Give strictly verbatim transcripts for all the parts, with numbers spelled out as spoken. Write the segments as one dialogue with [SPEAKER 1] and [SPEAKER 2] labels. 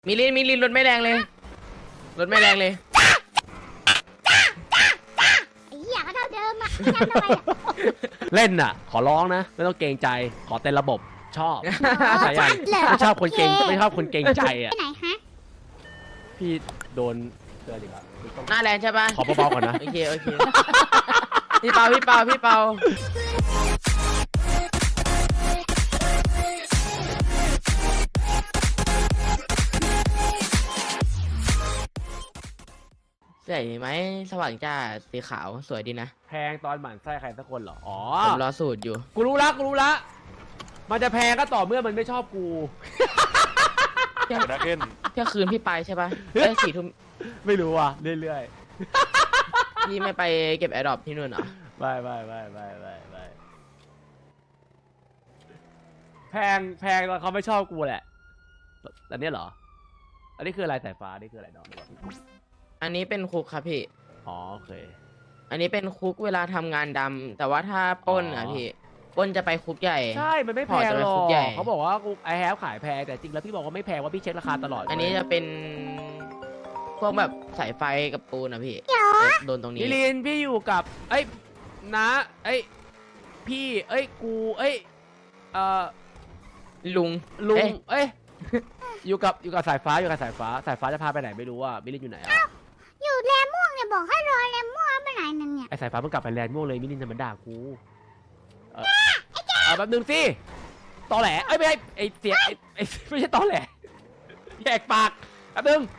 [SPEAKER 1] มิลินมิลินรถไม่แรงเลยรถไม่แรงเลย
[SPEAKER 2] ไอ้เหี้ยก็เท่าเดิมอ่ะทำทำไมอ่ะ
[SPEAKER 3] เล่นน่ะ ขอร้องนะ ไม่ต้องเกรงใจ ขอเต้นระบบชอบ
[SPEAKER 2] อ๋อ
[SPEAKER 3] ใช่ยัง
[SPEAKER 2] เหรอ
[SPEAKER 3] ไม่ชอบคนเกรง
[SPEAKER 2] โอ
[SPEAKER 3] ไม่ชอบคนเกรงใจอ่ะ
[SPEAKER 2] ไปไหนฮะ
[SPEAKER 3] พี่โดนเตือนอีกแล้ว
[SPEAKER 1] หน้าแรงใช่ปะ
[SPEAKER 3] ขอเบาๆก่อนนะ
[SPEAKER 1] โอเคโอเคพี่เปาพี่เปาพี่เปาใส่ไหมสว่างจ้าสีขาวสวยดีนะ
[SPEAKER 3] แพงตอนหมั่นไส้ใครสักคนเหรอ อ๋อ
[SPEAKER 1] ผมรอสูตรอยู่
[SPEAKER 3] กูรู้ละกูรู้ละ มันจะแพงก็ต่อเมื่อมันไม่ชอบกู
[SPEAKER 1] เที่ยง
[SPEAKER 4] นักเก็น
[SPEAKER 1] เที่ยงคืนพี่ไปใช่ปะเอ้ยสี่ทุ่ม
[SPEAKER 3] ไม่รู้อ่ะ เรื่อย
[SPEAKER 1] พี่ไม่ไปเก็บแอร์ดรอปที่นู่นเหรอ
[SPEAKER 3] ๆไปไปไปไปไปไปแพงแพงตอนเขาไม่ชอบกูแหละอันนี้เหรอ อันนี้คืออะไรสายฟ้าอันนี้คืออะไรน้อง
[SPEAKER 1] อันนี้เป็นคุกครับพี่
[SPEAKER 3] อ๋อโอเค
[SPEAKER 1] อันนี้เป็นคุกเวลาทำงานดำแต่ว่าถ้าปล้นอ่ะ
[SPEAKER 3] อ๋อ
[SPEAKER 1] พี่ปล้นจะไปคุกใหญ่
[SPEAKER 3] ใช่ มันไม่แพ
[SPEAKER 1] พอง จะ
[SPEAKER 3] ห
[SPEAKER 1] เป็น
[SPEAKER 3] รอ
[SPEAKER 1] คุกใหญ่
[SPEAKER 3] กเขาบอกว่ากูไอแฮปขายแพงแต่จริงแล้วพี่บอกว่าไม่แพงว่าพี่เช็คราคาตลอด
[SPEAKER 1] อันนี้จะเป็นพวกแบบสายไฟกับปูนอะพี่โดนตรงนี้
[SPEAKER 3] พี่ลินพี่อยู่กับเอ้ยนะเอ้ยพี่เอ้ยกูเอ้ยเอ่อ
[SPEAKER 1] ลุง
[SPEAKER 3] ลุง
[SPEAKER 1] เอ๊ะ
[SPEAKER 3] เอ้ยอยู่กับอยู่กับสายฟ้าอยู่กับสายฟ้าสายฟ้าจะพาไปไหนไม่รู้อ่ะมิลินอยู่ไหนอ่ะ
[SPEAKER 2] อยู่แรมม่วงเนี่ยบอกให้รอแรมม่วงไปไหนนั่นเนี่ย
[SPEAKER 3] ไอสายฟ้าเพิ่งกลับไปแลนด์ม่วงเลยมิลินจะมาด่ากูเออเอาแป๊บนึงสิตอแหลเอ้ยไม่ใช่ไอเสียงไอไอไม่ใช่ตอแหลแยกปากแป๊บนึง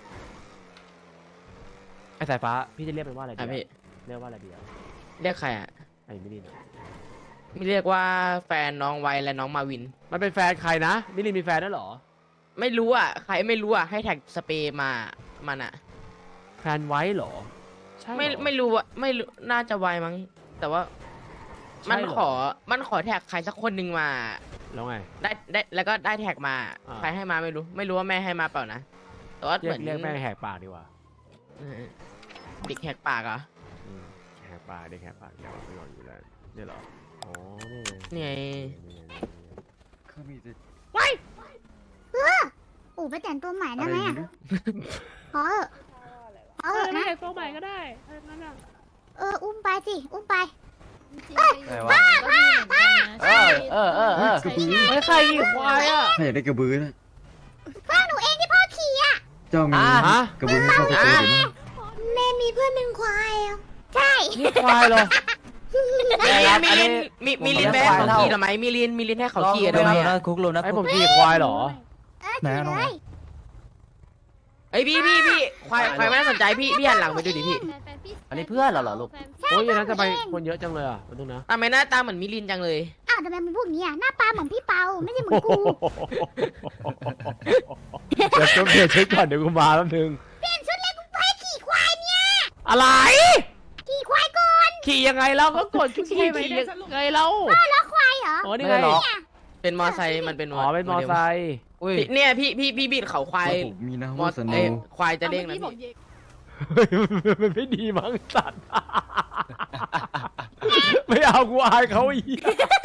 [SPEAKER 3] ไอสายฟ้าพี่จะเรียกมันว่าอะไรดี
[SPEAKER 1] อ่ะ
[SPEAKER 3] อะ
[SPEAKER 1] พี่
[SPEAKER 3] เรียกว่าอะไรดีอะ
[SPEAKER 1] เรียกใครอ่ะ
[SPEAKER 3] ไอมิลินอะ
[SPEAKER 1] ไม่เรียกว่าแฟนน้องไวและน้องมาวิน
[SPEAKER 3] มันเป็นแฟนใครนะมิลินมีแฟนด้วยเหรอ
[SPEAKER 1] ไม่รู้อ่ะใครไม่รู้อ่ะให้แท็กสเปรย์มามันอ่ะ
[SPEAKER 3] แฟนไว้เหรอใช่เหรอ
[SPEAKER 1] ไม่ไม่รู้อ่ะไม่รู้น่าจะไวมั้งแต่ว่า
[SPEAKER 3] ใช่
[SPEAKER 1] มัน
[SPEAKER 3] เหรอ
[SPEAKER 1] ขอมันขอแท็กใครสักคนหนึ่งมา
[SPEAKER 3] แล้วไง
[SPEAKER 1] ได้ได้แล้วก็ได้แท็กมา
[SPEAKER 3] อ่า
[SPEAKER 1] ใครให้มาไม่รู้ ไม่รู้ว่าแม่ให้มาเปล่านะแต่ว่า
[SPEAKER 3] เรี
[SPEAKER 1] เห
[SPEAKER 3] ย
[SPEAKER 1] มื
[SPEAKER 3] ก
[SPEAKER 1] อน
[SPEAKER 3] เรียกแม่งแหกปากดีกว่า
[SPEAKER 1] เออเด็กแหกปากเหรอ
[SPEAKER 3] อืมแหกปากเด็กแหกปากเดี๋ยวไปก่อนอยู่แล้วนี่เหรออ๋อนี่ไง
[SPEAKER 1] นี่ไง
[SPEAKER 3] นี่ไง
[SPEAKER 4] คือมีแต่
[SPEAKER 2] เอออู๋ไปแต่งตัวใหม่ได้ไหมอ่ะขอเถอะขอ
[SPEAKER 5] เอ
[SPEAKER 2] เถ
[SPEAKER 5] อ
[SPEAKER 2] อะ
[SPEAKER 5] ไม่
[SPEAKER 2] นะ
[SPEAKER 5] ใช่ตัวใหม่ก็ได้เออนั่นน่ะ
[SPEAKER 2] เอออุ้มไปสิอุ้มไป
[SPEAKER 4] อะไรวะ
[SPEAKER 3] เออเออเออเออไม่ใครขี่ควายอ่ะ
[SPEAKER 6] ถ้าอยากได้กระบือนะ
[SPEAKER 2] พ่อหนูเองที่พ่อขี่อ่ะ
[SPEAKER 6] เจ้ามี
[SPEAKER 3] อ่ะฮะ
[SPEAKER 6] กระบือให้พ่อไปเจอหรือไม่
[SPEAKER 2] แม่มีเพื่อนเป็นควายอ่ะใช่
[SPEAKER 3] นี่ควายเหรอ
[SPEAKER 1] มิลินมิลินมิมิลินแม่ให้เขาขี่ทำไมมิลินมิลินให้เขาขี่ทำไมอะ
[SPEAKER 7] คุกลุงนะ
[SPEAKER 3] ให้ผมขี่ควายเหรอ
[SPEAKER 2] เออขี่เลย
[SPEAKER 1] ไอยพี่พี่พี่ควายควายไม่น่าสนใจพี่พี่หันหลังไปดูดิพี่
[SPEAKER 7] อันนี้เพื่อนเหรอเหรอลูก
[SPEAKER 3] โอ้ยอย่างนั้นจะไปคนเยอะจังเลยอ่ะมันต้องนะ
[SPEAKER 1] ทำไมหน้าตาเหมือนมิลินจังเลย
[SPEAKER 2] อ้าวทำไมมันพูดอย่างนี้อ่ะหน้าตาเหมือนพี่เปาไม่ใช่เหมือนกู
[SPEAKER 3] เดี๋ยวต้องเปลี่ยนชุดก่อนเดี๋ยวกูมาแป๊บนึง
[SPEAKER 2] เปลี่ยนชุดเลยกูไปขี่ควายเนี่ย
[SPEAKER 3] อะไร
[SPEAKER 2] ขี่ควายก่อน
[SPEAKER 3] ขี่ยังไงเราก็กดขี่ขี่ยังไงเรา
[SPEAKER 2] แล้วควายเหรอ
[SPEAKER 3] อ๋อนี่
[SPEAKER 7] ไม่
[SPEAKER 3] ไง
[SPEAKER 7] ได้หรอก
[SPEAKER 1] เป็นมอไซค์มันเป็น
[SPEAKER 3] อ๋อเป็นมอไซค์
[SPEAKER 7] อุ้ย
[SPEAKER 1] พี่เนี่ยพี่พี่พี่บีดเขาควาย
[SPEAKER 6] ผมมีนะ
[SPEAKER 1] มอ
[SPEAKER 6] ว่าสโน
[SPEAKER 1] เอ้ย
[SPEAKER 6] ว์
[SPEAKER 1] ควายจะเด้งนะ
[SPEAKER 5] อามื่อกี้บอก
[SPEAKER 1] พี่
[SPEAKER 5] เย็ก
[SPEAKER 3] เฮ้ยมันไม่ดีมั้งสัตว์ ไม่เอากูอายเขาอีก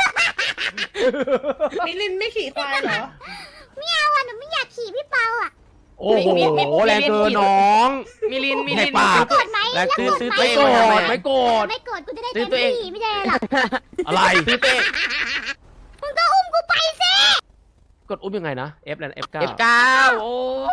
[SPEAKER 5] มิลินไม่ขี่ควายเหรอ
[SPEAKER 2] ไม่เอาอ่ะหนูไม่อยากขี่พี่เปาอ่ะ
[SPEAKER 3] โอ้โหแรงเกินน้อง
[SPEAKER 1] มิลินมิ
[SPEAKER 3] แห
[SPEAKER 1] ลิ
[SPEAKER 3] ก
[SPEAKER 1] น
[SPEAKER 3] ปาก
[SPEAKER 2] โกรธไหม
[SPEAKER 3] แรง
[SPEAKER 2] แล้ว
[SPEAKER 3] ซื้อ
[SPEAKER 2] โกรธ
[SPEAKER 3] ซื้อ
[SPEAKER 2] ไหม
[SPEAKER 3] ไม่โกรธไม่โกรธ
[SPEAKER 2] ไม่โกรธกูจะได้
[SPEAKER 1] ซื้
[SPEAKER 2] เต็
[SPEAKER 1] อ
[SPEAKER 2] ม
[SPEAKER 1] ตัวเอง
[SPEAKER 2] ที่ไม่ได้หรอก
[SPEAKER 3] อะไร
[SPEAKER 1] ซื้อเต้
[SPEAKER 2] มึงก็อุ้มกูไปสิ
[SPEAKER 3] กดอุ้มยังไงนะ F แล้ว F เก้า
[SPEAKER 1] เอฟเก้าโอ้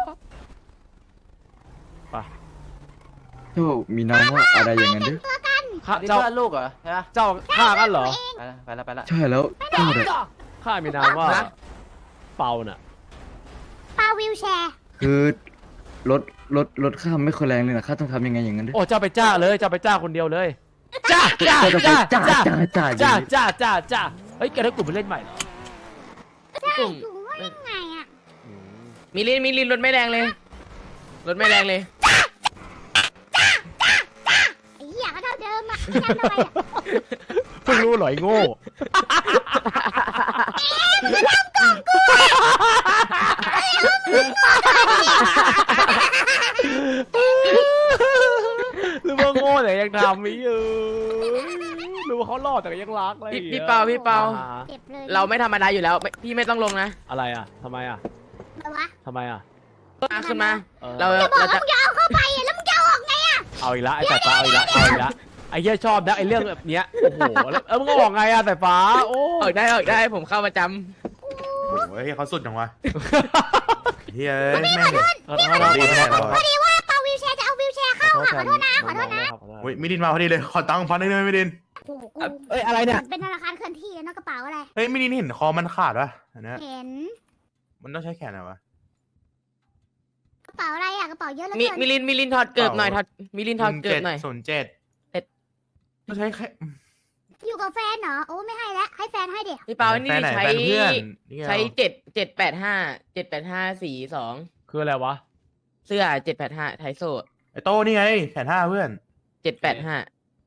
[SPEAKER 6] เจ้ามีนามว่าอะไรอย่างนั้นด้วย
[SPEAKER 3] ข้า
[SPEAKER 7] นี่
[SPEAKER 3] เจ้า
[SPEAKER 7] เพื่อนลูกเหรอใช่ปะ
[SPEAKER 3] เจ้าข้ากันเหรอ
[SPEAKER 7] ไปละไปละไปละ
[SPEAKER 6] ใช่แล้วเจ้าเนี่ย
[SPEAKER 3] ข้ามีนามว่าเปาน่ะ
[SPEAKER 2] เปาวิวแชร์
[SPEAKER 6] คือรถรถรถข้ามไม่ค่อยแรงเลยนะข้าต้องทำยังไงอย่างนั้นด้วย
[SPEAKER 3] โอ้เจ้าไปจ้าเลยเจ้าไปจ้าคนเดียวเลยจ้าจ้า
[SPEAKER 6] เจ้าจะไป
[SPEAKER 3] จ้า
[SPEAKER 6] จ้า
[SPEAKER 3] จ้า
[SPEAKER 6] จ้าจ้า
[SPEAKER 3] จ้าจ้าจ้าจ้าเฮ้ยแกได้กลุ่มไปเล่นใหม่เหรอ
[SPEAKER 1] กลุ่ม
[SPEAKER 2] หนูว่ายังไงอ่ะ
[SPEAKER 3] อืม
[SPEAKER 1] มิลินมิลินรถไม่แรงเลยรถไม่แรงเลย
[SPEAKER 2] ไอ้เหี้ยก็เท่าเดิมอ่ะทำทำไมอ่ะ
[SPEAKER 3] เพิ่งรู้เหรอไอ้โง่หรือว่าโง่แต่ยังทำไม่อยู่หรือว่าเขาหล่อแต่ก็ยังรักอะไรอย่
[SPEAKER 1] พี่
[SPEAKER 3] งงี้ย
[SPEAKER 1] พี่เปาพี่เปา
[SPEAKER 3] อ่
[SPEAKER 2] เจ็บเลย
[SPEAKER 1] เราไม่ธรรมดาอยู่แล้วไม่พี่ไม่ต้องลงนะ
[SPEAKER 3] อะไรอ่ะทำไมอ่ะ
[SPEAKER 2] อะไรวะ
[SPEAKER 3] ทำไมอ่ะ
[SPEAKER 1] มาขึ้นมา
[SPEAKER 3] เออ
[SPEAKER 1] เรา
[SPEAKER 2] จะบอก
[SPEAKER 1] เรา
[SPEAKER 2] ว่า
[SPEAKER 1] จะ
[SPEAKER 2] มึงจะเอาเข้าไปอะแล้วมึงจะเอาออกไงอะ
[SPEAKER 3] เอาอีกละไอ้สายฟ้าเอาอีกละเอาอีกละไอ้เหี้ยชอบนะไอ้เรื่องแบบเนี้ยโอ้โหแล้วเออมึงก็บอกไงอะสายฟ้าโอ้
[SPEAKER 1] ออกได้ออกได้ผมเข้าประจ
[SPEAKER 8] โอ้ยเขาสุดจังวะเฮ้ยแม่ง
[SPEAKER 3] ขอโทษนะ
[SPEAKER 8] ดีแน่เล
[SPEAKER 2] พอดีว่าเปาวิวแชร์จะเอาวิวแชร์เข้าอะขอโทษนะขอโทษนะ
[SPEAKER 8] โอ้ยมิดินมาพอดีเลยขอตังค์พันหนึงได้ไหมมิดิน
[SPEAKER 2] โอ้โหกู
[SPEAKER 3] เอ้ยอะไรเนี่ย
[SPEAKER 2] มันเป็นธนาคารเคลื่อนที่เนอะกระเป๋าอะไร
[SPEAKER 8] เฮ้ยมิดินเห็นคอมันขาดปะอันเนี้ย
[SPEAKER 2] เห็น
[SPEAKER 8] มันต้องใช้แขนอะไรวะ
[SPEAKER 2] กระเป๋าอะไรอะกระเป๋าเยอะเหลือ
[SPEAKER 1] ำมี
[SPEAKER 2] เกิน
[SPEAKER 1] มิลินมิลินถอดเกิบหน่อยถอดมิลินถอดเกิบหน่อย
[SPEAKER 8] ศูนย์เจ็ด
[SPEAKER 1] เอ็ด
[SPEAKER 8] ต้องใช้แค่
[SPEAKER 2] อยู่กับแฟนเหรอโอ้ไม่ให้แล้วให้แฟนให้เดี๋ยว
[SPEAKER 1] พี่เปานี่
[SPEAKER 8] แฟนไหน
[SPEAKER 1] ใช้
[SPEAKER 8] แฟนเพื่อนนี่ไง
[SPEAKER 1] ใช้เจ็ดเจ็ดแปดห้าเจ็ดแปดห้าสี่สอง
[SPEAKER 3] คืออะไรวะ
[SPEAKER 1] เสื้อเจ็ดแปดห้าไทโซ
[SPEAKER 8] ไอโต้นี่ไงแขนห้าเพื่อน
[SPEAKER 1] เจ็ดแปดห้า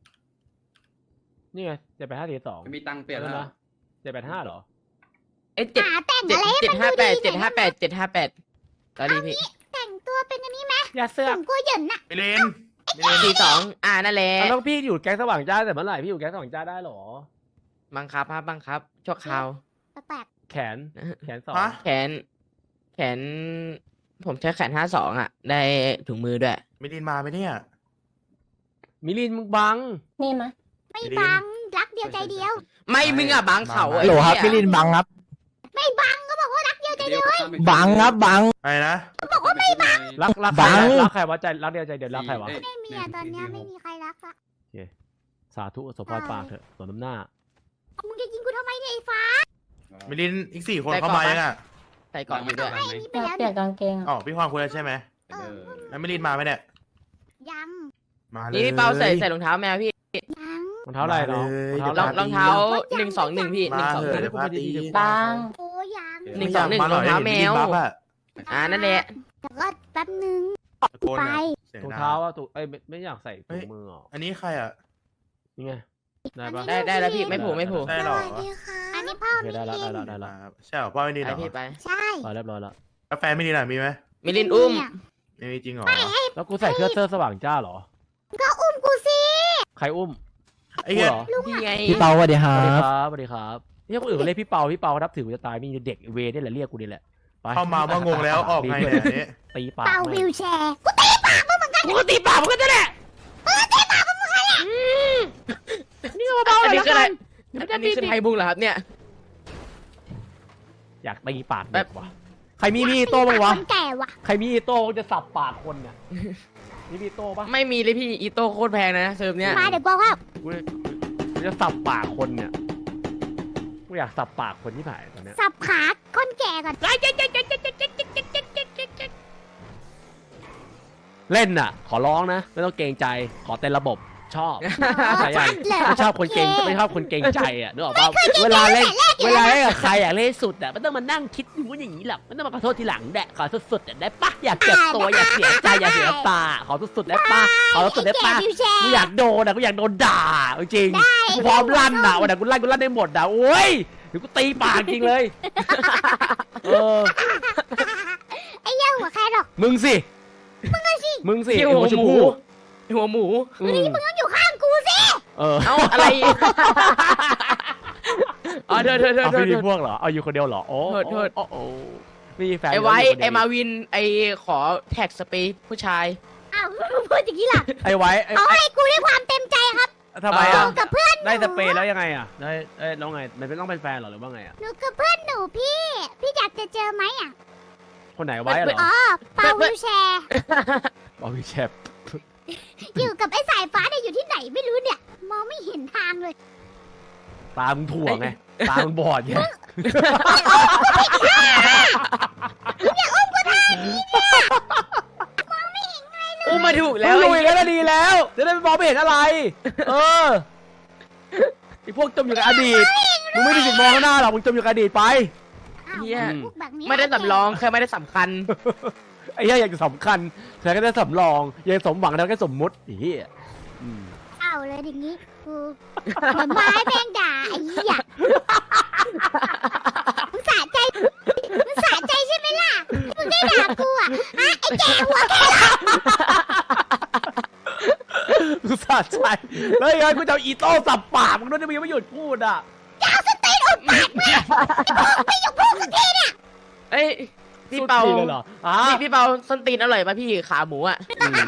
[SPEAKER 3] นี่ไงเจ็ดแปดห้าสี่สอง
[SPEAKER 6] มีตังค์เปลี่ยนแล้ว
[SPEAKER 3] นะเจ็ดแปดห้าเหรอ
[SPEAKER 1] เอ้ยเจ็ด
[SPEAKER 2] หาแต่ง
[SPEAKER 1] เจ็ด
[SPEAKER 2] อะไรให้
[SPEAKER 1] เจ็ด
[SPEAKER 2] มัน
[SPEAKER 1] ห้า
[SPEAKER 2] ดู
[SPEAKER 1] แป
[SPEAKER 2] ดี
[SPEAKER 1] ดเจ็ดห้าแปดเจ็ดห้าแปดตอนนี้พี่
[SPEAKER 2] แต่งตัวเป็นอันนี้ไหม
[SPEAKER 3] อย่าเสื้อ
[SPEAKER 2] ผมกลัวเหยินน่ะ
[SPEAKER 8] มิดินมิดิน
[SPEAKER 1] สี่สองอ่านั่นแหละ
[SPEAKER 3] เอาต้องพี่อยู่แก๊งสว่างจ้าแต่เมื่อไหร่พี่อยู่แก๊งสว่างจ้าได้เหรอ
[SPEAKER 1] บังคับครับบังคับชั่วคราว
[SPEAKER 2] แปลก
[SPEAKER 3] แขนแขนสอง
[SPEAKER 8] ฮะ
[SPEAKER 1] แขน แขน ผมใช้แขนห้าสองอ่ะ ได้ถุงมือด้วย
[SPEAKER 8] มิดินมาไหมเนี่ย
[SPEAKER 3] มิลินมึงบัง
[SPEAKER 4] นี่มะ
[SPEAKER 2] ๆไม่บังรักเดียวใจเดียว
[SPEAKER 1] ไม่มึงอ่ะบังเขา
[SPEAKER 8] บัง
[SPEAKER 1] ไอ้
[SPEAKER 9] โหลครับ
[SPEAKER 1] เหี้
[SPEAKER 9] พี่
[SPEAKER 1] ย
[SPEAKER 9] ลินบังครับ
[SPEAKER 2] ไม่บังก็บอกว่ารักเดียวใจเดียว
[SPEAKER 9] บังครับบัง
[SPEAKER 8] อะไรนะ
[SPEAKER 2] บอกว่าไม่บัง
[SPEAKER 3] รักรัก
[SPEAKER 9] บั
[SPEAKER 3] ใครง รักใครวะใจรักเดียวใจเดียวรักใครวะ
[SPEAKER 2] ไม่มีอะตอนเนี้ยไม่มีใครรักละ
[SPEAKER 3] สาธุสมพรปากเถอะสมน้ำหน้า
[SPEAKER 2] มึงจะยิงกูทำไมเนี่ยไอ้ฟ้า
[SPEAKER 8] มิดินอีกสี่คนเข้ามายังอ่ะ
[SPEAKER 1] ใส่ก่อนอยู่ด้วย
[SPEAKER 2] ไอ้นี่ไป
[SPEAKER 4] อยาก
[SPEAKER 2] แล้ว
[SPEAKER 4] เปลี่
[SPEAKER 2] เนี่ย
[SPEAKER 4] นกางเกง
[SPEAKER 8] อ๋อพี่ควางคุยแล้วใช่ไหม
[SPEAKER 2] เออ
[SPEAKER 8] แล้วมิดินมาไหมเนี่ย
[SPEAKER 2] ยัง
[SPEAKER 8] มาเลย
[SPEAKER 1] นี่พี่เปาใส่ใส่รองเท้าแมวพี่
[SPEAKER 2] ยัง
[SPEAKER 3] รองเท้าอะไรเนาะ
[SPEAKER 8] มาเลย
[SPEAKER 1] รองรองเท้าหนึ่งสองหนึ่งพี่หนึ่ง
[SPEAKER 8] มา
[SPEAKER 1] สอง
[SPEAKER 8] เถ
[SPEAKER 1] ห
[SPEAKER 8] อะ
[SPEAKER 1] นึ่ง
[SPEAKER 8] เดี๋ยวพาตี
[SPEAKER 4] บาง
[SPEAKER 2] โอ้ยัง
[SPEAKER 1] หนึ่งสองหนึ่ง
[SPEAKER 8] มาร
[SPEAKER 1] องเท้าแมว
[SPEAKER 8] บัฟอะ
[SPEAKER 1] อ่านั่นแหละ
[SPEAKER 2] แต่ก็แป๊บนึง
[SPEAKER 8] ตะโกน
[SPEAKER 2] ไป
[SPEAKER 8] อะเสียง
[SPEAKER 3] ถุง
[SPEAKER 8] ดัง
[SPEAKER 3] เท้าอะถุงเอ้ยไม่ไม่อยากใส่ถุงมือหรอ
[SPEAKER 8] อันนี้ใครอ่ะ
[SPEAKER 3] นี่ไงได้ปะ
[SPEAKER 1] ได้ได้แล้วพี่ไม่ผูกไม่ผูก
[SPEAKER 8] ได้หรอ
[SPEAKER 2] อันนี้พ่อ
[SPEAKER 3] โอเค
[SPEAKER 2] มิ
[SPEAKER 3] ได้ละ
[SPEAKER 2] ลิ
[SPEAKER 3] ได้
[SPEAKER 2] น
[SPEAKER 3] ละได้ละ
[SPEAKER 8] ครับใช่เหรอพ่อไม่ดีเห
[SPEAKER 1] ไป
[SPEAKER 8] รอ
[SPEAKER 1] พี่ไป
[SPEAKER 2] ใช่
[SPEAKER 3] พอเรียบร้อยแล้ว
[SPEAKER 8] กาแฟไม่ดีหรอมีไหม
[SPEAKER 1] มิลินอุ้ม
[SPEAKER 2] เนี่ย
[SPEAKER 8] ไม่มีจริงเหรอ
[SPEAKER 3] แล้วกูใส่เสื้อเสื้อสว่างจ้าเหรอ
[SPEAKER 2] ก็อุ้มกูสิ
[SPEAKER 3] ใครอุ้ม
[SPEAKER 8] ไอ้เหี้ย
[SPEAKER 3] กูเหรอ
[SPEAKER 1] พี่ไง
[SPEAKER 9] พี่เปาสวัสดีค
[SPEAKER 3] ส
[SPEAKER 9] รั
[SPEAKER 3] วัสดี
[SPEAKER 9] บ
[SPEAKER 3] ครับสวัสดีครับเนี่ยคนอื่นเขาเรียกพี่เปาพี่เปานับถือกูจะตายมีเด็กเวนี่แหละเรียกกูนี่แหละไป
[SPEAKER 8] เข้ามาว่างงแล้วออกไงเนี่ยอันนี้
[SPEAKER 3] ตีปาก
[SPEAKER 2] เป่า
[SPEAKER 3] แม่
[SPEAKER 2] วิ
[SPEAKER 3] ง
[SPEAKER 2] วแชร์กูตีปากมึงเหมือนกัน
[SPEAKER 1] ปกติปากมันก็จะแหละ
[SPEAKER 3] นี่เบาๆ
[SPEAKER 1] อัน
[SPEAKER 3] เลย
[SPEAKER 1] นี้
[SPEAKER 3] ละ
[SPEAKER 1] คืออะไร
[SPEAKER 3] กัน
[SPEAKER 1] อันนี้คือไทยบุงเหรอครับเนี่ย
[SPEAKER 3] อยากตีปากแบบวะใครมีมีดโต้บ้างวะ
[SPEAKER 2] คนแก่ว่ะ
[SPEAKER 3] ใครมีดโต้จะสับปากคนเนี่ยมีมีดโต้ปะ
[SPEAKER 1] ไม่มีเลยพี่อีโต้โคตรแพงนะเซิร์ฟเนี้ย
[SPEAKER 2] มาเดี๋ยวบอกว่า
[SPEAKER 3] กูกูจะสับปากคนเนี่ยกูอยากสับปากคนที่ผ่านตอนเนี้ย
[SPEAKER 2] สับขาคนแก่ก่อน
[SPEAKER 3] เล่นน่ะ ขอร้องนะ ไม่ต้องเกรงใจขอเต็มระบบชอบ ใช่ยัง
[SPEAKER 2] เลย
[SPEAKER 3] ไม่ชอบคนเกรงไม่ชอบคนเกรงใจอ่ะนึกออกป่ะเวลาเล่นเวลาเล่นกับใครอยากเล่นสุดอ่ะไม่ต้องมานั่งคิดอย่างนู้นอย่างนี้หรอกไม่ต้องมาขอโทษทีหลังแดะขอสุดๆอ่ะได้ปะอยากเจ็บตัวอยากเสียใจอยากเสียตาขอสุดๆได้ปะขอสุดๆได้
[SPEAKER 2] แก่
[SPEAKER 3] ปะ
[SPEAKER 2] วิวแชร์
[SPEAKER 3] กูอยากโดนอ่ะกูอยากโดนด่าจริงกูพร้อมลั่นอ่ะวันไหนกูลั่นกูลั่นได้หมดอ่ะโอ้ยเดี๋ยวกูตีปากจริงเลยเออ
[SPEAKER 2] ไอ้เหี้ยหัวแค่หรอก
[SPEAKER 3] มึงสิมึงสิ
[SPEAKER 1] พี่
[SPEAKER 3] ไอ้
[SPEAKER 1] หัว
[SPEAKER 3] ช
[SPEAKER 1] ห
[SPEAKER 3] ม
[SPEAKER 1] มู
[SPEAKER 3] พู
[SPEAKER 1] หัวหมู
[SPEAKER 3] อืม
[SPEAKER 2] มึงต้องอยู่ข้างกูสิ
[SPEAKER 3] เออ
[SPEAKER 1] เอ้าอะไรอ๋อเธอเธอเธอ
[SPEAKER 3] เอา
[SPEAKER 1] เธอ
[SPEAKER 3] พี่
[SPEAKER 1] เธ
[SPEAKER 3] มี
[SPEAKER 1] อ
[SPEAKER 3] พวกเหรอเอาอยู่คนเดียวเหรอโอ้
[SPEAKER 1] โทษโทษ
[SPEAKER 3] โอ้โอ้มีแฟน
[SPEAKER 1] ไอ้ไว้
[SPEAKER 3] ยู่คนเดียว
[SPEAKER 1] ไอ้มาวินไอ้ขอแท็กสเปซผู้ชาย
[SPEAKER 2] อ้าวมึงพูดอย่างนี้ล่ะ
[SPEAKER 3] ไอ้ไว้ไอ้
[SPEAKER 2] เอาให้กูด้วยความเต็มใจครับ
[SPEAKER 3] ทำไม
[SPEAKER 2] หนู
[SPEAKER 3] อ่ะ
[SPEAKER 2] กับเพื่อนหนู
[SPEAKER 3] ได้สเปรย์แล้วยังไงอ่ะได้เอ้ยแล้วไงมันเป็นต้องเป็นแฟนเหรอหรือว่าไงอ่ะ
[SPEAKER 2] หนูกับเพื่อนหนูพี่ พี่อยากจะเจอไหมอ่ะ
[SPEAKER 3] คนไหนไว้เหรอ
[SPEAKER 2] อ๋อเปาวิวแชร์
[SPEAKER 3] บอพี่แชป
[SPEAKER 2] อยู่กับไอ้สายฟ้าเนี่ยอยู่ที่ไหนไม่รู้เนี่ย มองไม่เห็นทางเลย
[SPEAKER 3] ตามึงถ่วงไงตามึงบอดไง
[SPEAKER 1] อุ้มมาถูก
[SPEAKER 3] แล้
[SPEAKER 1] แล้ว ว
[SPEAKER 3] ลุ
[SPEAKER 1] ไอ้
[SPEAKER 3] ย
[SPEAKER 1] เหี้ย
[SPEAKER 3] แล้วดีแล้วจะได้ไม่มองไม่เห็นอะไร เออไอพวกจมอยู่กับอดีตมึงไม่มีสิทธิ์มองข้างหน้าหรอกมึงจมอยู่กับอดีตไป
[SPEAKER 2] อ้าว
[SPEAKER 1] เหี้ย
[SPEAKER 2] พวกแบบนี้
[SPEAKER 1] ไม่ได้สำรองแค่ไม่ได้สำคัญ
[SPEAKER 3] ไอ้เหี้ยอยากจะสำคัญแต่ก็ได้สำรองอยากสมหวังแล้วก็สมมุติไอ้เหี้ยอืม
[SPEAKER 2] เอาเลยอย่างนี้กูเหมือนไม้แมงด่าไอ้เหี้ยมึงสะใจมึงสะใจใช่ไหมล่ะมึงได้ด่ากูอ่ะฮะไอ้แก่หัวแก่
[SPEAKER 3] กูสะใจแล้วยังไงกูจะเอาอีโต้สับปากมึงด้วยจะมีไม่หยุดพูดอ่ะ
[SPEAKER 2] เอาสตีนอุดปากแม่ไม่ยอมพูดสักทีเนี่ย
[SPEAKER 1] เอ้ยพี่เปา
[SPEAKER 3] สุดที่เลยเหรออ่ะ
[SPEAKER 1] พี่พี่เปาส้นตีนอร่อยป่ะพี่ขาหมูอ่ะ
[SPEAKER 3] อืม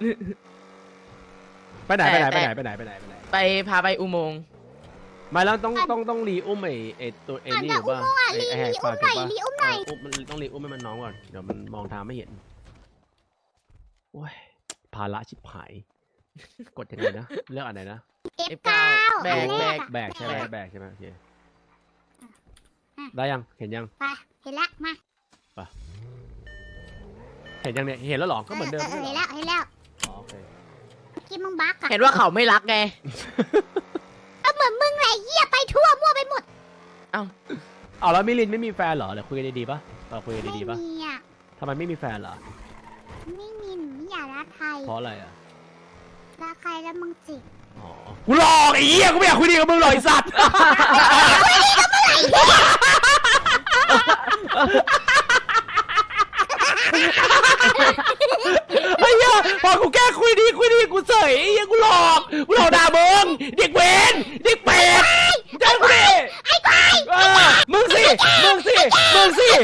[SPEAKER 3] ไปไหนไปไหน
[SPEAKER 1] แต่
[SPEAKER 3] ไปไหนไปไหนไปไหนไปไหน
[SPEAKER 1] ไปพาไปอุโมงค์
[SPEAKER 3] ไม่แล้วต้องต้องต้องรีอุ้มไอ้ไอ้ตัวไอ้นี่อยู่ป่ะไอ้ไอ้แหกปากอยู่ป่ะ
[SPEAKER 2] รีอุ้มหน่อย
[SPEAKER 3] เอออุ้มมันต้องรีอุ้มให้มันน้องก่อนเดี๋ยวมันมองทางไม่เห็นโอ้ยภาระชิบหาย กดยังไงนะเลือกอันไหนนะ
[SPEAKER 2] เอฟเก้า
[SPEAKER 1] แบกแบก
[SPEAKER 3] แบกใช่ไหมแบกใช่ไหมโอเคได้ยังเห็นยัง
[SPEAKER 2] ไปเห็นละมา
[SPEAKER 3] เห็นยังเนี่ยเห็นแล้วหรอก็เหมือนเดิม
[SPEAKER 2] เห็น
[SPEAKER 3] ไม่ใช่
[SPEAKER 2] แล้
[SPEAKER 3] หรอ
[SPEAKER 2] วเห็นแล้ว
[SPEAKER 3] อ๋อโอเค
[SPEAKER 2] กินมึงบักอะ
[SPEAKER 1] เห็นว่าเขาไม่รักไง
[SPEAKER 2] ก็เหมือนมึงไรเหี้ยไปทั่วมั่วไปหมด
[SPEAKER 3] เอาแล้วมิลินไม่มีแฟนเหรอเดี๋ยวคุยกันดีๆป่ะเราคุยกัน
[SPEAKER 2] ไม่
[SPEAKER 3] ดีๆป่ะ
[SPEAKER 2] มีอ่ะ
[SPEAKER 3] ทำไมไม่มีแฟนเหรอ
[SPEAKER 2] ไม่มีหนูไม่อยากรักใคร
[SPEAKER 3] เพราะอะไรอ่ะ
[SPEAKER 2] รักใครแล้วมึงจิก
[SPEAKER 3] อ๋อกูหลอกไอ้เหี้ยกูไม่อยากคุยดีกับมึงหรอกไอ้สัตว์ไอ้เหี้ยพอกูแก้คุยดีคุยดีกูเสยไอ้เหี้ยกูหลอกกูหลอกด่ามึงเด็กเวนเด็กเป็ดเจ้ากูดิไอ้ควายมึงสิมึงสิมึงสิ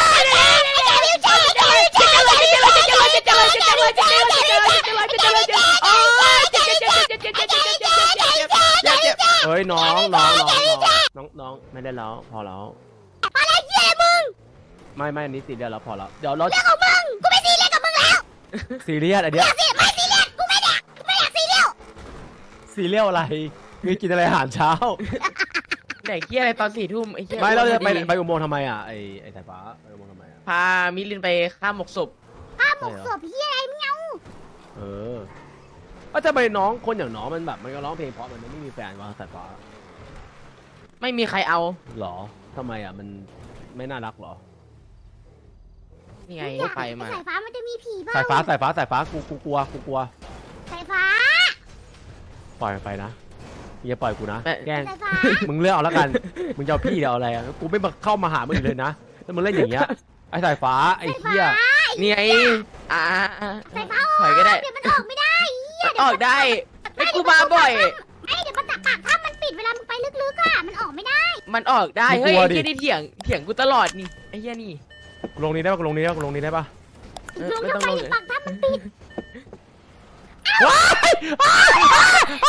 [SPEAKER 3] เฮ้ยน้องน้องน้องน้องน้องไม่ได้แล้วพอแล้วอะไรเหี้ยมึงไม่ไม่อันนี้ซีเรียสแล้วพอแล้วเดี๋ยวเราเรื่องของมึงกูไม่ซีเรียสกับมึงแล้วซีเรียสอันเนี้ยไม่ซีเรียสกูไม่อยากกูไม่อยากซีเรียสซีเรียสอะไรคือกินอะไรอาหารเช้า
[SPEAKER 1] ไหนเกี้ยอะไรตอนสี่ทุ่มไอ้เกี้ย
[SPEAKER 3] ไม่เราจะไปไปอุโมงค์ทำไมอ่ะไอ้ไอ้สายฟ้าไปอุโมงค์ทำไมอ่ะ
[SPEAKER 1] พามิลินไปฆ่าหมกศพ
[SPEAKER 2] ข้าหมกศพเหี้ยอะไรมึงเอา
[SPEAKER 3] เออว่าจะไปน้องคนอย่างน้องมันแบบมันก็ร้องเพลงเพราะมันไม่มีแฟนวะสายฟ้า
[SPEAKER 1] ไม่มีใครเอา
[SPEAKER 3] หรอทำไมอ่ะมันไม่น่ารักหรอ
[SPEAKER 1] นี่ไง
[SPEAKER 2] อยาก
[SPEAKER 1] ไปมา
[SPEAKER 2] สายฟ้ามันจะมีผีเปล่า
[SPEAKER 3] สายฟ้าสายฟ้าสายฟ้ากูกูกลัวกูกลัว
[SPEAKER 2] สายฟ้า
[SPEAKER 3] ปล่อยมันไปนะอย่าปล่อยกูนะแกล้ง
[SPEAKER 2] สายฟ้า
[SPEAKER 3] มึงเลือกเอาแล้วกัน มึงจะเอาพี่เดี๋ยวเอาอะไรอ่ะ กูไม่มาเข้ามาหามึงอีกเลยนะ แล้วมึงเล่นอย่างเงี้ย ไอ้สายฟ้า ไอ้เหี้ย
[SPEAKER 1] นี่ไงอ่า
[SPEAKER 2] สายฟ้า
[SPEAKER 1] ถอยก็ได้
[SPEAKER 2] เดี๋ยวมันออกไม่ได้เหี้ย
[SPEAKER 1] ออกได้ไอ้กูมาบ่อย
[SPEAKER 2] ไอ้เดี๋ยวมันตักปากถ้ามันปิดเวลามึงไปลึกๆอ่ะมันออกไม่ได้
[SPEAKER 1] มันออกได้ เฮ้ยไอ้เหี้ยนี่เถียง เถียงกูตลอดนี่ ไอ้เหี้ยนี่
[SPEAKER 3] กูลงนี้ได้ปะกูลงนี้ได้ปะกูลงนี้ได้ปะ
[SPEAKER 1] เออ
[SPEAKER 2] ลง
[SPEAKER 1] ไม่
[SPEAKER 2] ทำ
[SPEAKER 1] ต้อง
[SPEAKER 2] ไม
[SPEAKER 1] ลงเลย
[SPEAKER 2] ปากถ้ามันปิด
[SPEAKER 3] ว้าย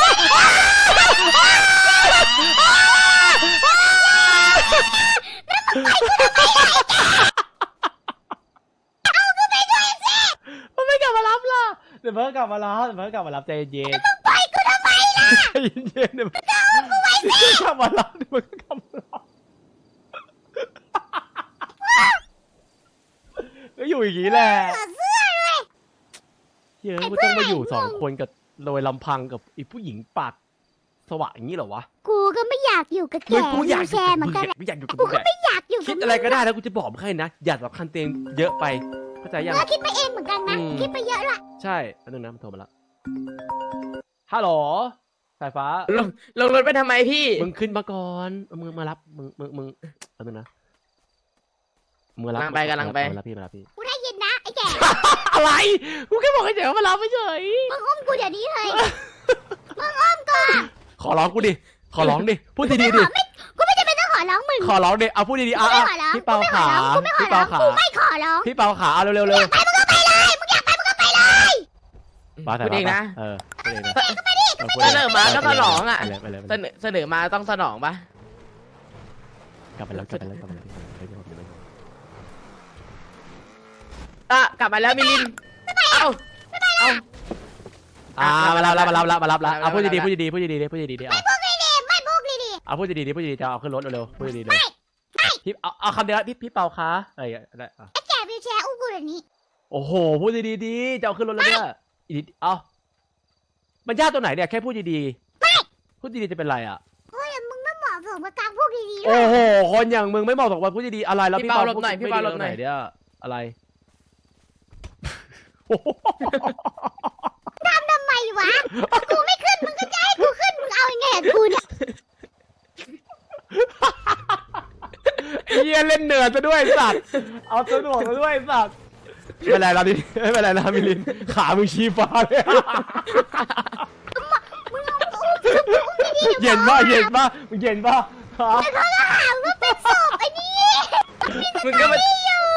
[SPEAKER 3] มันไม่กลับมารับล่ะ เดี๋ยวเพิ่งกลับมารับเดี๋ยวเพิ่งกลับมารับใจเย็น
[SPEAKER 2] ไปกูทำไมล่ะ
[SPEAKER 3] ใจเย็นๆเดี๋ยวมันกลับมารับเดี๋ยวมันกลับมารับก็อยู่อย่างนี้แหละ
[SPEAKER 2] เสื้อเสื้อเลย
[SPEAKER 3] เฮ้ยกูต้องมาอยู่สองคนกับโดยลำพังกับอีผู้หญิงปากสว่างอย่างนี้เหรอวะ
[SPEAKER 2] กูก็ไม่อยากอยู่กับแก
[SPEAKER 3] เฮ้ยกูอยาก
[SPEAKER 2] แชร์เหมือนกันแหละ
[SPEAKER 3] ไม่อยากอยู่กับ
[SPEAKER 2] กู
[SPEAKER 3] มึง
[SPEAKER 2] ก็
[SPEAKER 3] แหละ
[SPEAKER 2] ไม่อยากอยู่
[SPEAKER 3] คิ
[SPEAKER 2] กั
[SPEAKER 3] ด
[SPEAKER 2] บ
[SPEAKER 3] อะไรก็ได้นะกูจะบอกมึงให้นะอย่าสำคัญตัวเองเยอะไปเข้าใจยัง
[SPEAKER 2] เออคิดไปเองเหมือนกันนะ
[SPEAKER 3] อืม
[SPEAKER 2] คิดไปเยอะละ
[SPEAKER 3] ใช่อันนึงนะมันโทรมาแล้วฮัลโหลสายฟ้า
[SPEAKER 1] ลงลงรถไปทำไมพี่
[SPEAKER 3] มึงขึ้นมาก่อนเอามึงมารับมึงมึงมึงอันนึงนะมึงมารับ
[SPEAKER 1] กำลังไปกำลังไป
[SPEAKER 3] มารับพี่มารับพี่
[SPEAKER 2] กูได้ยินนะไอ้แก
[SPEAKER 3] อะไรกูแค่บอกให้เดี๋ยวมารับไม่เฉย
[SPEAKER 2] มึงอุ้มกูเดี๋ยวนี้เลย
[SPEAKER 3] ขอร้องกูดิขอร้องดิพูดดีๆดิ
[SPEAKER 2] กูไม่จำเป็นต้องขอร้องมึง
[SPEAKER 3] ขอร้องดิเอาพูดดีๆ
[SPEAKER 2] กู
[SPEAKER 3] อ่ะ
[SPEAKER 2] ไม่
[SPEAKER 3] อ่ะ
[SPEAKER 2] ขอร้อง
[SPEAKER 3] พี่เปาขา
[SPEAKER 2] กูไม่ขอ
[SPEAKER 3] พี่
[SPEAKER 2] ร้อ
[SPEAKER 3] เปาง ขา
[SPEAKER 2] กูไม่ขอร้อง
[SPEAKER 3] พี่เปาขาเอาเร็วๆเร็ว
[SPEAKER 2] ไปมึงก็ไปเลยมึงอยากไปมึงก็ไปเลย
[SPEAKER 3] มา
[SPEAKER 1] พูดเองนะ
[SPEAKER 3] เออพูดเองนะ
[SPEAKER 1] เสนอมาก็สนองอ่ะ
[SPEAKER 3] ไปเลยไปเลยไป
[SPEAKER 1] เส
[SPEAKER 3] เลย
[SPEAKER 1] นอเสนอมาต้องสนองปะ
[SPEAKER 3] กลับไปแล้วกลับไปแล้วกลับไปแล้วไปเลยไปเลย
[SPEAKER 1] อ่ะกลับมาแล้วมิลิน เอ้า เอ้า
[SPEAKER 3] อ่ามารับแล้วมารับแล้วมารับแล้ว
[SPEAKER 1] มารับ
[SPEAKER 3] เอาพูด
[SPEAKER 1] มารับ
[SPEAKER 3] ดีๆพูดดีๆพูดดีๆพูดดีๆดิเอา
[SPEAKER 2] พวกนี้ดิไม่พวกนี้ดิ
[SPEAKER 3] เอาพูดดีๆพูดดีๆจะเอาขึ้นรถเร็วๆพูดดีๆเลยพี่เอาเอาคำเดียวพี่พี่เปาคะอะไรได้อ่ะ
[SPEAKER 2] ไอ้แกวิวแชร์อุ้มกูเดี๋ยวนี้
[SPEAKER 3] โอ้โหพูดดีๆดีจะเอาขึ้นรถแล้วเนี่ยอีกเอามันยากตัวไหนเนี่ยแค่พูดดีๆพูดดีๆจะเป็นไรอ่ะ
[SPEAKER 2] เฮ้ยมึงไม่เหมาะสมกับการพูดดีๆเล
[SPEAKER 3] โอ้
[SPEAKER 2] ย
[SPEAKER 3] โหคนอย่างมึงไม่เหมาะสมกับพูดดีๆอะไรแล้ว
[SPEAKER 1] พี่
[SPEAKER 3] พี่
[SPEAKER 1] เปา
[SPEAKER 3] เปา
[SPEAKER 1] หลบหน่อย
[SPEAKER 3] พูด
[SPEAKER 1] พี่เปาหลบหน่อย
[SPEAKER 3] ไม่ดีตรงเนี่ยอะไร
[SPEAKER 2] ทำไมวะกูไม่ขึ้นมึงก็จะให้กูขึ้นมึงเอายังไงกับกูเนี่ย
[SPEAKER 3] เฮียเล่นเนิร์ดซะด้วยไอ้สัตว์เอาสนุกซะด้วยไอ้สัตว์ไม่เป็นไรแล้วดิไม่เป็นไรแล้วมิลินขามึงชี้ฟ้าเลยเย็นป่ะเย็นป่ะมึงเย็นป่ะฮะ
[SPEAKER 2] แล้วก็หาว่าเป็นศพไอ้นี่
[SPEAKER 1] มึงก็มา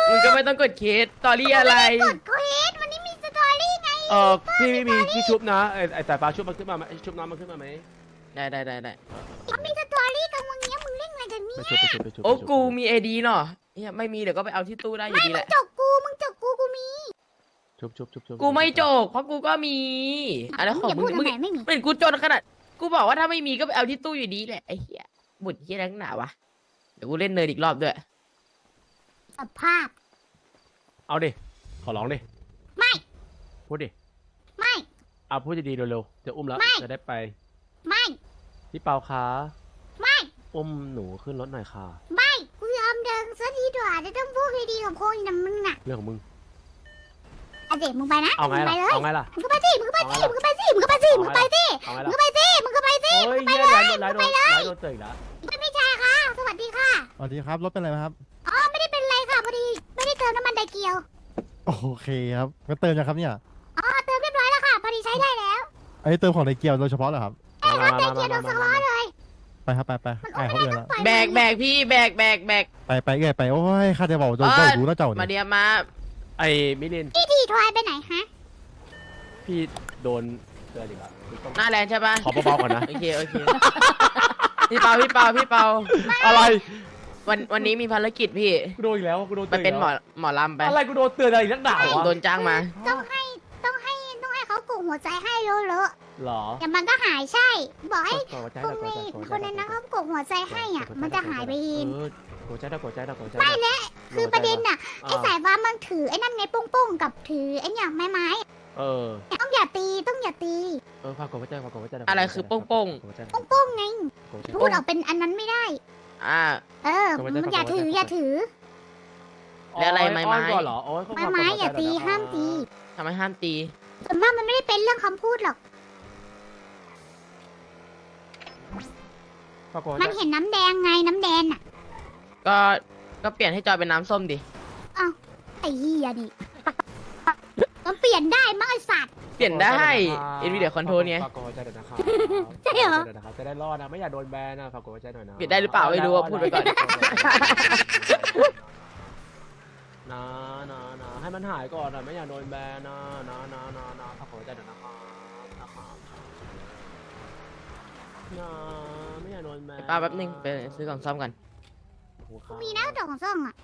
[SPEAKER 1] มึงก็ไม่ต้องกดเคสตอรี่อะไร
[SPEAKER 2] กดเควสวันนี้มีสตอรี่ไง
[SPEAKER 3] เออพี่ไม่มีที่ชุบนะไอ้ไอ้สายฟ้าชุบมันขึ้นมาไหมชุบน้ำมันขึ้นมาไหม
[SPEAKER 1] ได้ได้ได้ได้
[SPEAKER 2] เขามีสตอรี่กันวันนี้มึงเล่นอะไรกันเนี่
[SPEAKER 3] ไป
[SPEAKER 2] ย
[SPEAKER 3] ชุบไปชุบไปชุบ
[SPEAKER 1] โอ้กูมีเอดีเนาะเฮียไม่มีเดี๋ยวก็ไปเอาที่ตู้ได้อยู่ดีแห
[SPEAKER 2] มึง
[SPEAKER 1] ละ
[SPEAKER 2] จกกูมึงจกกูกูมี
[SPEAKER 3] ชุบชุบชุบชุบ
[SPEAKER 1] กูไม่โจกเพราะกูก็มีอะไรของ
[SPEAKER 2] อย่า
[SPEAKER 1] มึ
[SPEAKER 2] พู
[SPEAKER 1] ง
[SPEAKER 2] ด
[SPEAKER 1] มึง
[SPEAKER 2] ทำไมไม่มี
[SPEAKER 1] เป็นกูจนขนาดกูบอกว่าถ้าไม่มีก็ไปเอาที่ตู้อยู่ดีแหละไอ้เหี้ยบุญเหี้ยนักหนาวะเดี๋ยวกูเล่นเนิร์ดอีกรอบด้วย
[SPEAKER 2] สภาพ
[SPEAKER 3] เอาดิขอร้องดิ
[SPEAKER 2] ไม่
[SPEAKER 3] พูดดิ
[SPEAKER 2] ไม่
[SPEAKER 3] เอาพูดดีๆเร็วๆจะอุ้มแล้ว
[SPEAKER 2] ไม่
[SPEAKER 3] จะได้ไป
[SPEAKER 2] ไม่
[SPEAKER 3] พี่เปาคะ
[SPEAKER 2] ไม่
[SPEAKER 3] อุ้มหนูขึ้นรถหน่อยค่ะ
[SPEAKER 2] ไม่กูยอมเดินซะทีดีกว่าจะต้องพูดดีๆกับคนนะมึงน่ะ
[SPEAKER 3] เรื่องของมึง
[SPEAKER 2] อ่ะเด็กมึงไปนะ
[SPEAKER 3] เอาไง
[SPEAKER 2] มึ
[SPEAKER 3] ล่ะ
[SPEAKER 2] ไปเลย
[SPEAKER 3] เอาไงล่ะ
[SPEAKER 2] มึงก็ไปสิมึงก็ไปสิมึงก็ไปสิมึงก็ไปสิมึงก็ไปสิ
[SPEAKER 3] เอาไง
[SPEAKER 2] มึง
[SPEAKER 3] ล่ะ
[SPEAKER 2] ก็ไปสิมึงก็ไปสิ
[SPEAKER 3] โอ้ยเหี้ยร้ายโดนร้ายโดนร้ายโดนเตยอีกแล้ว
[SPEAKER 2] ไม่ไม่ใช่ค่ะ สวัสดีค่ะ
[SPEAKER 9] สวัสดีครับ รถเป็นอะไรไหมครับ
[SPEAKER 2] อ๋อไม่ได้เป็นไรค่ะพอดีไม่ได้เติมน้ำมันไดเกียว
[SPEAKER 9] โอเคครับงั้นเติมยังครับเนี่ย
[SPEAKER 2] อ๋อเติมเรียบร้อยแล้วค่ะพอดีใช้ได้แล้ว
[SPEAKER 9] อันนี้เติมของในเกียวโดยเฉพาะเหรอครับ
[SPEAKER 2] ไอ้รถไดเกียวโดนสล้อเลย
[SPEAKER 9] ไปครับไปไป
[SPEAKER 2] มัน
[SPEAKER 9] ไอ้
[SPEAKER 2] โอ้
[SPEAKER 9] เขา
[SPEAKER 2] ไม่
[SPEAKER 9] เอือ
[SPEAKER 2] ได้
[SPEAKER 9] น
[SPEAKER 2] ต้
[SPEAKER 9] แล้
[SPEAKER 2] อง
[SPEAKER 9] ว
[SPEAKER 2] ปล่อย
[SPEAKER 1] แบกแบกพี่แบกแบกแบก
[SPEAKER 9] ไปไปเอื่อยไปโอ้ยข้าจะบอกจะ
[SPEAKER 1] เออ
[SPEAKER 9] เจ้ารู้แล้วเจ้า
[SPEAKER 1] มา
[SPEAKER 9] เนี่ย
[SPEAKER 1] เดียมา
[SPEAKER 3] ไอ้มิลิน
[SPEAKER 2] พี่ทีทวายไปไหนฮะ
[SPEAKER 3] พี่โดนเตือนอีกแล้วพี่ต้อง
[SPEAKER 1] หน้าแลนด์ใช่ปะ
[SPEAKER 3] ขอเบาๆก่อนนะ
[SPEAKER 1] โอเคโอเคพี่เปาพี่เปาพี่เปา
[SPEAKER 3] อะไร
[SPEAKER 1] วันวันนี้มีภารกิจพี่
[SPEAKER 3] กูโดนอีกแล้วกูโดน
[SPEAKER 1] ไป
[SPEAKER 3] เตือน
[SPEAKER 1] เป็นหมอ
[SPEAKER 3] อีก
[SPEAKER 1] หมอลำไป
[SPEAKER 3] แล้วอะไรกูโดนเตือนอะไรอีกนักหนาวะ
[SPEAKER 1] โดนจ้างมา
[SPEAKER 2] ต้องให้ต้องให้ต้องให้เขากลุ่มหัวใจให้เลอะ
[SPEAKER 3] หรอ
[SPEAKER 2] ๆเดี๋ยวมันก็หายใช่ บอกให้
[SPEAKER 3] กดหัวใจ
[SPEAKER 2] คน
[SPEAKER 3] ได้
[SPEAKER 2] ใน
[SPEAKER 3] กดหัวใจ
[SPEAKER 2] คนนั้นนะเขากลุ่มหัวใจให้อ่ะ มันจะหายไปเอง
[SPEAKER 3] เออกดหัวใจได้กดหัวใจได้กดหัวใจ
[SPEAKER 2] ไม่และคือประเด็นน่ะไอ้
[SPEAKER 3] อ่า
[SPEAKER 2] สายฟ้ามันถือไอ้นั่นไงโป้งๆกับถือไอ้เนี่ยไม้ไม้
[SPEAKER 3] เออ
[SPEAKER 2] ๆต้องอย่าตีต้องอย่าตี
[SPEAKER 3] เออฝากกดหัวใจฝากกดหัวใจด้
[SPEAKER 1] อะไรคือโป้งๆ
[SPEAKER 3] กดหัวใจได้
[SPEAKER 2] โป้งๆไง
[SPEAKER 3] กดหัวใจ
[SPEAKER 2] พูดออกเป็นอันนั้นไม่ได้
[SPEAKER 1] อ่า
[SPEAKER 2] เออ
[SPEAKER 3] กดหัวใจ
[SPEAKER 2] มันอย่าถือ
[SPEAKER 3] กดหัวใจ
[SPEAKER 2] อย่าถือ
[SPEAKER 1] แล้วอะไรไม้ไม้
[SPEAKER 3] อ้อนก่อนเหรอโอ้ย
[SPEAKER 2] ไม้ไม้อย่าตีห้ามตี
[SPEAKER 1] ทำไมห้ามตี
[SPEAKER 2] ส่วนมากมันไม่ได้เป็นเรื่องคำพูดหรอก
[SPEAKER 3] ฝากกดหัว
[SPEAKER 2] มัน
[SPEAKER 3] ใจ
[SPEAKER 2] เห็นน้ำแดงไงน้ำแดงอ่ะ
[SPEAKER 1] ก็ก็เปลี่ยนให้จอยเป็นน้ำส้มดิ
[SPEAKER 2] ไอ้เหี้ยดิมันเปลี่ยนได้มั้งไอ้สัตว์
[SPEAKER 1] เปลี่ยนได้เอ็นวีเดียคอนโทรเนี่ย
[SPEAKER 3] ฝากกดหัวใจหน่อยนะครับ
[SPEAKER 2] ใช่เหรอ
[SPEAKER 3] ฝากกดหัวใจน่ยนะครับจะได้รอดนะไม่อยากโดนแบนนะฝากกดหัวใจหน่อยนะ
[SPEAKER 1] เปลี่ยนได้หรือเปล่าไม่รู้อะพูดไปก่อน
[SPEAKER 3] นะนะนะให้มันหายก่อนนะไม่อยากโดนแบนนะนะนะนะนะฝากกดหัวใจหน่อยนะครับนะครับนะไม่อยากโดนแบน
[SPEAKER 1] ป้าแป๊บนึงไปซื้อกล่องซ่อมกัน
[SPEAKER 3] โอ้โหครับ
[SPEAKER 2] มีนะดอกของซ่องอ่ะ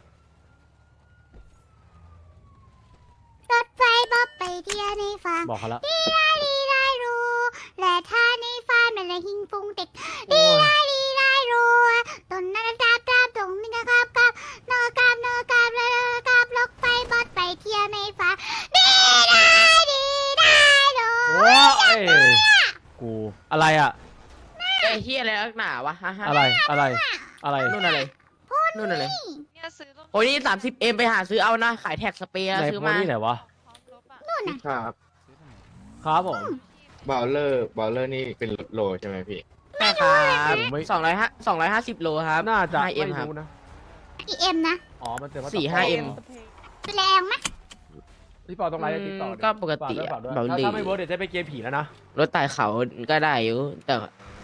[SPEAKER 2] รถไฟบ๊อบไปเที่ยวในฝัน
[SPEAKER 3] บอกเขาแล้ว
[SPEAKER 2] ดีได้ดีได้รู้และถ้าในฝันมันละหิงปุงเด็กดีได้ดีได้รู้ต้นนั้นกราบกราบตรงนี้นะครับกราบนอกราบนอกราบแล้วกราบรถไฟบ๊อบไปเที่ยวในฝันดีได้ดีได้รู้
[SPEAKER 3] โอ้ยกูอะไรอ่ะ
[SPEAKER 1] ไอ้เฮียอะไรนักหนาวะฮ่าฮ่า
[SPEAKER 3] อะไรอะไรอะไร
[SPEAKER 1] นู่นอะไรนู่นอะไร
[SPEAKER 4] เนี่ยซื้อรถ
[SPEAKER 1] โอ้ยนี่สามสิบเอ็มไปหาซื้อเอานะขายแท็กสเปรย์
[SPEAKER 3] ไหน
[SPEAKER 1] ซื้อ
[SPEAKER 3] โพ
[SPEAKER 1] มา
[SPEAKER 3] นี่ไหนวะ
[SPEAKER 4] พร้อมรถอ่ะ
[SPEAKER 2] นู่นน่ะ
[SPEAKER 10] ครับ
[SPEAKER 3] ครับผม
[SPEAKER 10] บอลเลอร์บอลเลอร์นี่เป็นโลใช่ไหมพี่
[SPEAKER 1] ใช่ครับ
[SPEAKER 3] ผมไม่
[SPEAKER 1] สองร้อยห้าสองร้อยห้าสิบโลครับ
[SPEAKER 3] น่าจะ
[SPEAKER 1] ห้าเอ็ม
[SPEAKER 3] ไม่
[SPEAKER 1] ครับ
[SPEAKER 3] รู้นะ
[SPEAKER 2] อีเอ็มนะ
[SPEAKER 3] อ๋อมันเตือนว่า
[SPEAKER 1] สี่ห้าเอ็ม
[SPEAKER 2] แรงไหม
[SPEAKER 3] พี่ปอต้องไลน์ได้ติ๊กต็อก
[SPEAKER 1] ก็ปกติอะ
[SPEAKER 3] ฝาด้วย
[SPEAKER 1] เบา
[SPEAKER 3] ฝากด้วย
[SPEAKER 1] หลี
[SPEAKER 3] ถ้าถ้าไม่เวิร์ดเดี๋ยวจะไปเกมผีแล้วนะ
[SPEAKER 1] รถไต่เขาก็ได้อยู่แต่